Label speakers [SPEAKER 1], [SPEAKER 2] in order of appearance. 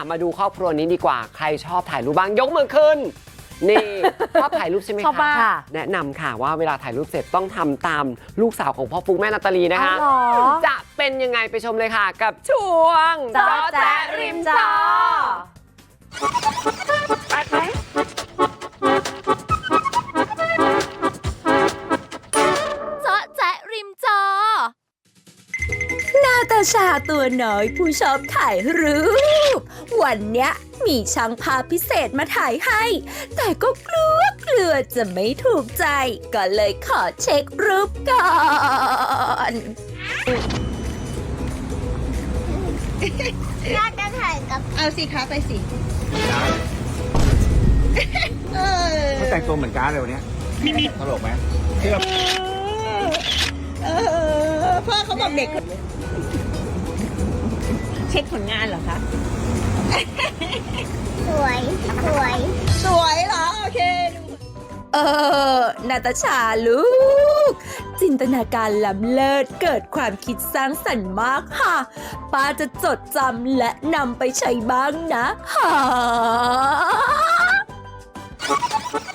[SPEAKER 1] มาดูครอบครัวนี้ดีกว่าใครชอบถ่ายรูปบ้างยกมือขึ้นนี่ชอบถ่ายรูปใช่ไหม
[SPEAKER 2] ชอบ
[SPEAKER 1] คะ
[SPEAKER 2] มาก
[SPEAKER 1] แนะนำค่ะว่าเวลาถ่ายรูปเสร็จต้องทำตามลูกสาวของพ่อฟุ๊กแม่นาตาลีนะคะ
[SPEAKER 2] อ๋อเหรอ
[SPEAKER 1] จะเป็นยังไงไปชมเลยค่ะกับช่วง
[SPEAKER 2] จ๊อแจ๊ะริมจอ
[SPEAKER 3] เจาะแจ๊ะริมจอ
[SPEAKER 4] นาตาชาตัวน้อยผู้ชอบถ่ายรูป วันเนี้ยมีช่างภาพพิเศษมาถ่ายให้ แต่ก็กลัวจะไม่ถูกใจ ก็เลยขอเช็ครูปก่อน
[SPEAKER 5] น่าจะถ่ายกับ
[SPEAKER 6] เอาสิคะไปสิเออ
[SPEAKER 7] เขาแต่งตัวเหมือนการ์ดเลยวันเนี้ยตลกไหมเสื้อ
[SPEAKER 6] พ่อเขาบอกเด็ก เช็คผลงานเหรอคะ
[SPEAKER 5] สวยสวย
[SPEAKER 6] สวยเหรอ โอเค
[SPEAKER 4] นาตาชาลูก จินตนาการล้ำเลิศเกิดความคิดสร้างสรรค์มากค่ะ ป้าจะจดจำและนำไปใช้บ้างนะ